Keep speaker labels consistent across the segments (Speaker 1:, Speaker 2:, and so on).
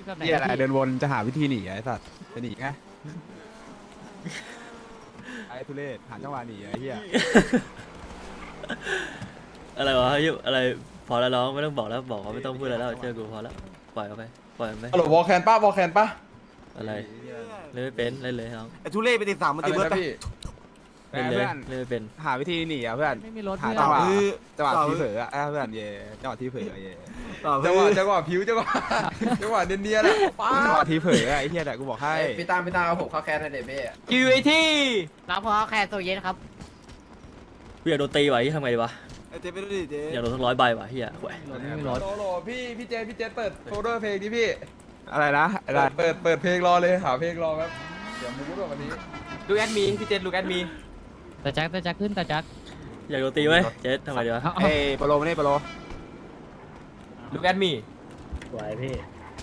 Speaker 1: แบบไหน
Speaker 2: เหี้ยอะไรเดินวนจะหาวิธีหนีไอ้สัตว์จะหนีไงไอ้ทุเรศหาจังหวะหนีไอ้เหี้ย
Speaker 3: อะไรวะอะไรพอแล้วน้องไม่ต้องบอกแล้วบอกเขาไม่ต้องพูดอะไรแล้วเชื่อกูพอแล้วปล่อยเขาไปปล่อยมันไป
Speaker 4: ฮัลโหลวอลแคนป้าวอลแคนป้า
Speaker 3: อะไรเล่นไม่เป็นเล่นเลยน้อง
Speaker 5: ไอ้ทุเล่ไปติดสามมันติดเบิร์ด
Speaker 4: พี่
Speaker 3: เล่นเลยเล่นไม่เป็น
Speaker 2: หาวิธีหนีอ่ะเพื่อน
Speaker 1: ไม่มีรถ
Speaker 2: หา
Speaker 1: เพื่อน
Speaker 2: จังหวะที่เผลออ่ะเพื่อนเย่จังหวะที่เผลอเย่
Speaker 4: จังหวะผิวจังหวะเนียนๆอ่ะป้า
Speaker 2: จังหวะที่เผลอไอ้เหี้ยแหละกูบอกให้
Speaker 4: พี่ตามเอาผมเข้าแคนให้เด็ดพี่
Speaker 1: คิวไอที่
Speaker 6: รับพอแค่ตัวเย็นครับ
Speaker 3: กูอยากโดนตีว่ะทำไงดีวะ
Speaker 5: ไอ้เจ๊ไปดูดิเจ๊
Speaker 3: อยากโดนทั้ง100 ใบว่ะเฮียแหวะ
Speaker 1: รถไม่มีรถ
Speaker 4: โหลพี่เจเปิดโฟลเดอร์เพลงดิพี่
Speaker 2: อะไรนะอะไร
Speaker 4: เปิดเพลงรอเลยหาเพลงรอครับเดี๋ยวมูดวันนี้
Speaker 1: ลูกแอดมีพี่เจนลูกแอดมีแต่แจ็คขึ้นแต่แจ็ค
Speaker 3: อยากโดนตีไว้เจ๊ทำไงดีวะ
Speaker 2: เอ้ปโลมานี่ปโล
Speaker 1: ลูกแอดมี
Speaker 6: สวยพี่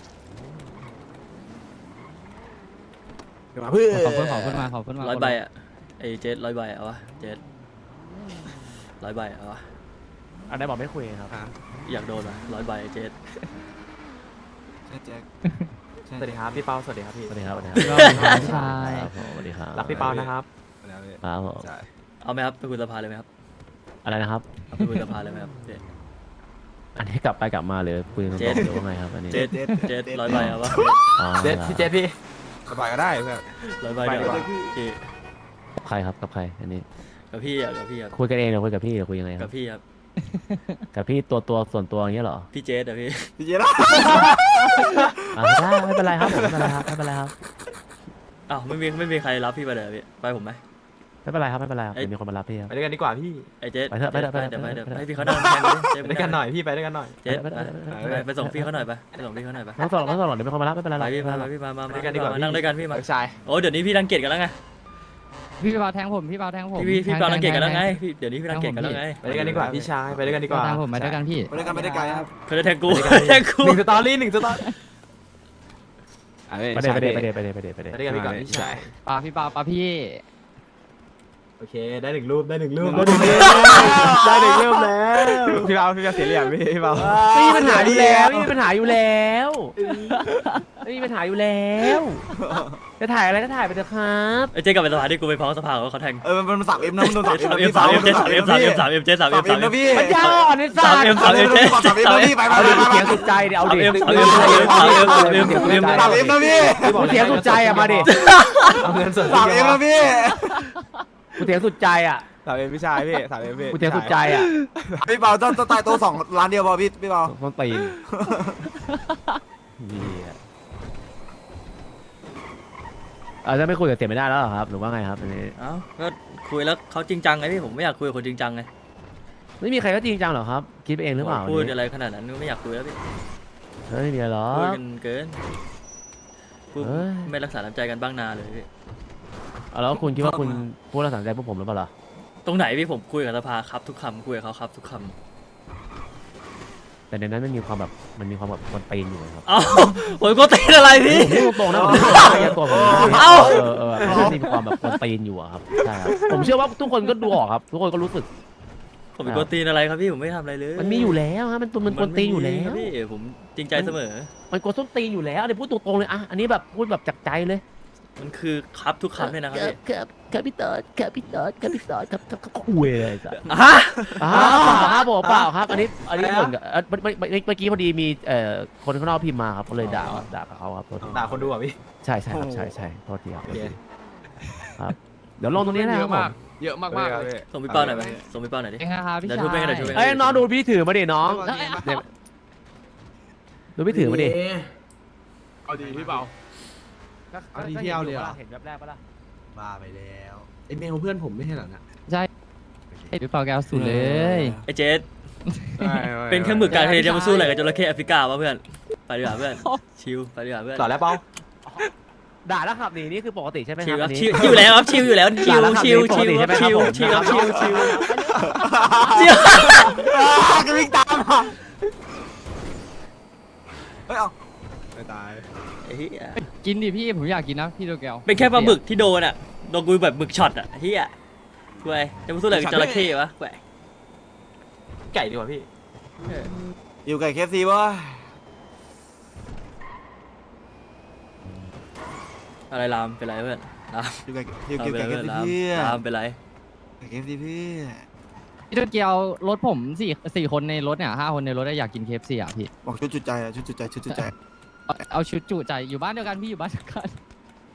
Speaker 2: เดี๋ยวมาเพื่อ
Speaker 1: ขอบคุณมา
Speaker 3: 100 ใบอ่ะไอ้เจ๊100 ใบเอาวะเจ๊100 ใบเอาวะ
Speaker 6: อันไหนบอกไม่คุยครับ
Speaker 3: อยากโดนว่ะ100 ใบเจ๊
Speaker 5: ใช่แจ็ค
Speaker 1: สวัสดีครับพี่เปาสวัสดีครับพี่
Speaker 6: สวัสดีครับ
Speaker 1: ชาย
Speaker 6: สวัสดีครับ
Speaker 1: รักพี่เปานะครับ
Speaker 6: ครับผม
Speaker 2: ใช่
Speaker 3: เอาไหมครับไปคุยสภาเลยไหมครับ
Speaker 6: อะไรนะครับ
Speaker 3: เอาไปคุยสภาเลยไหมครับเจ๊
Speaker 6: อันนี้กลับไปกลับมาหรือคุยกัน
Speaker 3: เจ็
Speaker 6: ต่
Speaker 3: ด
Speaker 6: อหรือว่าไงครับอันนี้
Speaker 3: เจ๊100 ใบเอาวะ
Speaker 6: อ๋อ
Speaker 1: เจนพี่เจนพี่
Speaker 2: สบายก็ได้เพื่อน
Speaker 3: 100 ใบเดี๋ยวพี่
Speaker 6: กับใครครับกับใครอันนี้
Speaker 3: กับพี่อ่ะกับพี่ครับ
Speaker 6: คุยกันเองหรือคุยกับพี่หรือคุยยังไงค
Speaker 3: กั
Speaker 6: รั
Speaker 3: บบ พี่ครับ
Speaker 6: กับพี่ตัวส่วนตัวอย่างเงี้ยเหรอ
Speaker 3: พี่เจ๊อ่ะพี่
Speaker 5: พี่เจ๊ละ
Speaker 6: ได้ไม่เป็นไรครับผมไม่เป็นไรครับไม่เป็นไรครับ
Speaker 3: อ้าวไม่มีใครรับพี่ไปเลยพี่ไปผมไหม
Speaker 6: ไม่เป็นไรครับไม่เป็นไรครับเดี๋ยวมีคนมารับพี่ครับ
Speaker 1: ไปด้วยกันดีกว่าพี่
Speaker 3: ไอ้เจ๊
Speaker 6: ไปเถอะไปเถอะไปเถอะ
Speaker 3: เดี๋ยว
Speaker 6: ไปเถอะ
Speaker 3: ให้พี่เขานั่งแทนเจ๊
Speaker 1: ไปด้วยกันหน่อยพี่ไปด้วยกันหน่อย
Speaker 3: เจ๊ไปส่งพี่เขาหน่อยไปส่งพี่เขาหน่อยไป
Speaker 6: ไม่ต้องหรอกเดี๋ยวมีคนมารับไม่เป็นไรหร
Speaker 3: ไป
Speaker 6: อก
Speaker 3: พี่
Speaker 6: ไม่
Speaker 3: มา
Speaker 6: เป็นไรหรอก
Speaker 3: พี่มา
Speaker 1: ไปด้วยกันดีกว่า
Speaker 3: นั่งด้วยกันพี่มา
Speaker 2: ชาย
Speaker 3: โอ้เดี๋ยวนี้พี่รังเกียจกันแล้วไง
Speaker 1: พี่เปาแทงผมพี่เปาแทงผม
Speaker 3: พี่เปารังเกียจกันแล้วไงพี่เดี๋ยวนี้พี่รังเกียจกันแล้วไง
Speaker 1: ไปด้วยกันดีกว่าพี่ชายไปด้วยกันดีกว่า
Speaker 6: แทงผมไปด้วยกันพี่
Speaker 5: ไปด้วยกันไปได้ไกลครับ
Speaker 3: เขาจะแทงกูแทงกู
Speaker 1: หนึ่งสตอรี่หนึ่งสตอรี่
Speaker 6: ไปเดไปเด
Speaker 1: ไปด้วยกันดีกว่าพี่ชายพี่เปาพี่โอเคได้หนึ่งรูปได้หนึ่งรูปได้หนึ่งรูปแล้ว
Speaker 2: พี่เบาเสียเหลี่ยมพี่เบา
Speaker 6: ไม่มีปัญหาอยู่แล้วไม่มีปัญหาอยู่แล้วไม่มีปัญหาอยู่แล้วจะถ่ายอะไรก็ถ่ายไปเถอะครับ
Speaker 3: ไอ้เจ๊กลับไปสภาที่กูไปฟ้องสภาว่าเขาแทง
Speaker 5: มันสับเอ็มนะมันโดนสับ
Speaker 3: 3M 3M เจ๊3M 3M 3M เจ๊ 3M
Speaker 5: 3M นะพี่
Speaker 6: ปัญญาอ่อนไอ้สัตว์
Speaker 3: 3M 3M เจ๊
Speaker 5: สับเอ็มนะพี่ไป
Speaker 6: เอาดิเสียงสุดใจเดี๋ยวเอาดิ
Speaker 3: 3M
Speaker 5: สับเอ็มนะพี่
Speaker 6: กูเสียงสุดใจอ่ะมาดิ
Speaker 1: เอาเงินสด
Speaker 5: สับเอ็มนะพี่
Speaker 6: กูเสียงสุดใจอ่ะ
Speaker 2: 3M พี่ชายพี่ 3M พี่
Speaker 6: กูเสียงสุดใจอ่ะ
Speaker 5: พี่เปาต้องตายตัว2 ล้านเดียวพอพี่เปา
Speaker 6: ต้องตีนจะไม่คุยกับเสียไม่ได้แล้วเหรอครับหรือว่าไงครับอันนี้
Speaker 3: เอ้าก็คุยแล้วเขาจริงจังไงพี่ผมไม่อยากคุยกับคนจริงจังไง
Speaker 6: ไม่มีใครก็จริงจังหรอครับคิดไปเองหรือเปล่า
Speaker 3: พูดอะไรขนาดนั้นไม่อยากคุยแล้วพี่
Speaker 6: เฮ้ยไม่มีอะไรหรอ
Speaker 3: พูด
Speaker 6: ก
Speaker 3: กันเกินพูด
Speaker 6: เอ้ย
Speaker 3: ไม่รักษาน้ำใจกันบ้างนาเลยพี่
Speaker 6: แล้วคุณคิดว่าคุณพูดแล้วสนใจพวกผมหรือเปล่าล่ะ
Speaker 3: ตรงไหนพี่ผมคุยกับสภาครับทุกคำคุยกับเขาครับทุกคำ
Speaker 6: แต่ในนั้นมันมีความแบบมันตีนอยู่ครับ
Speaker 3: เอ้าผมก็ตีอะไรพี่
Speaker 6: พูดตรงนะผมไม่ตัวผม
Speaker 3: เอ้า
Speaker 6: มันมีความแบบมันตีนอยู่อะครับใช่ครับผมเชื่อว่าทุกคนก็ดูออกครับ ทุกคนก็รู้สึก
Speaker 3: ผมเป็นคนตีนอะไรครับพี่ผมไม่ทำอะไรเลย
Speaker 6: มันมีอยู่แล้วฮะมันกวนตีนอยู่แล้ว
Speaker 3: พี่ผมจริงใจเสมอ
Speaker 6: มันกวนส้นตีนอยู่แล้วอันนี้พูดตรงๆเลยอ่ะอันนี้แบบพูดแบบจากใจเลย
Speaker 3: มันคือครับทุกคำเลยนะครับพี่
Speaker 6: ครับพี่เติร์ดครับคุยเลยจ้ะ
Speaker 3: ฮะ
Speaker 6: ครับผมเปล่าครับ อันนี้ผลกับเมื่อกี้พอดีมีคนข้างนอกพิมพ์มาครับก็เลยด่ากับเขาครับ
Speaker 1: ด่าคนดูอ่ะพี่
Speaker 6: ใช่ครับใช่โทษทีครับครับเดี๋ยวลงตรงนี้นะครับผม
Speaker 2: เยอะมากเลย
Speaker 3: ส่งพี่เป้าหน่อยไหมส่งพี่เป้าหน่อยดิ
Speaker 1: เองนะครับพี่
Speaker 3: เดี๋ยว
Speaker 1: ชา
Speaker 3: ทุบไปกันเดี๋ยวทุบไป
Speaker 6: เอ้ยน้องดูพี่ถือมาดิน้องดูพี่ถือมาดิ
Speaker 2: เอาดีพี่เบา เอาดีที่เอาเลยเหรอ
Speaker 6: เห็นแบบแรกปะล่ะ
Speaker 5: บ้าไปแล้ว
Speaker 2: ไอเมลเพื่อนผมไม่ใช่เหรอนะ
Speaker 1: พี่เปาแก้วสุดเลย
Speaker 3: ไอ้เจสเป็นเครื่องมือกลางทะเลจะมาสู้อะไรกับจระเข้แอฟริกาวะเพื่อนไปดีกว่าเพื่อนชิลไปดีกว่าเพื่อน
Speaker 1: ต่อแล้วเปา
Speaker 6: ด่าแล้วขับหนีนี่คือปกติใช่ไหมค
Speaker 3: ชิ
Speaker 6: รั
Speaker 3: ล
Speaker 6: บ
Speaker 3: ครับ
Speaker 6: อันนี้
Speaker 3: ชิลอยู่แล้วครับชิลอยู่แล้วชิลชิลชิลครับชิลชิลครับชิลชิลชิล
Speaker 5: ก็วิ่งตามเฮ้ยเอา
Speaker 2: ไม่ตาย
Speaker 3: ไอ้เหี้ย
Speaker 1: กินดิพี่ผมอยากกินนะพี่โดแก้ว
Speaker 3: เป็นแค่ปลาหมึกที่โดนอ่ะโดนกูแบบหมึกช็อตอ่ะเฮียกูไอ้จะมาสู้อะไรกับจระเข้วะกูไอ้
Speaker 1: ไก่ดีกว่าพี่
Speaker 5: อยู่ไก่เคฟซีวะ
Speaker 3: อะไรรามเป็นไรเพื่อนราม
Speaker 5: อยู่กับอยู่กับเกมสิ
Speaker 3: ราม
Speaker 5: เพื่อน
Speaker 3: รามเป็นไร
Speaker 5: เกมสิเพื่อน
Speaker 1: พี่โตเกียวรถผมสี่คนในรถเนี่ย5 คนในรถอยากกินเคฟซีอ่ะพี่
Speaker 5: บอกชุดจุดใจอะชุดจุดใจชุดจุดใจ
Speaker 1: เอาชุดจุใจอยู่บ้านเดียวกันพี่อยู่บ้านเดียวกัน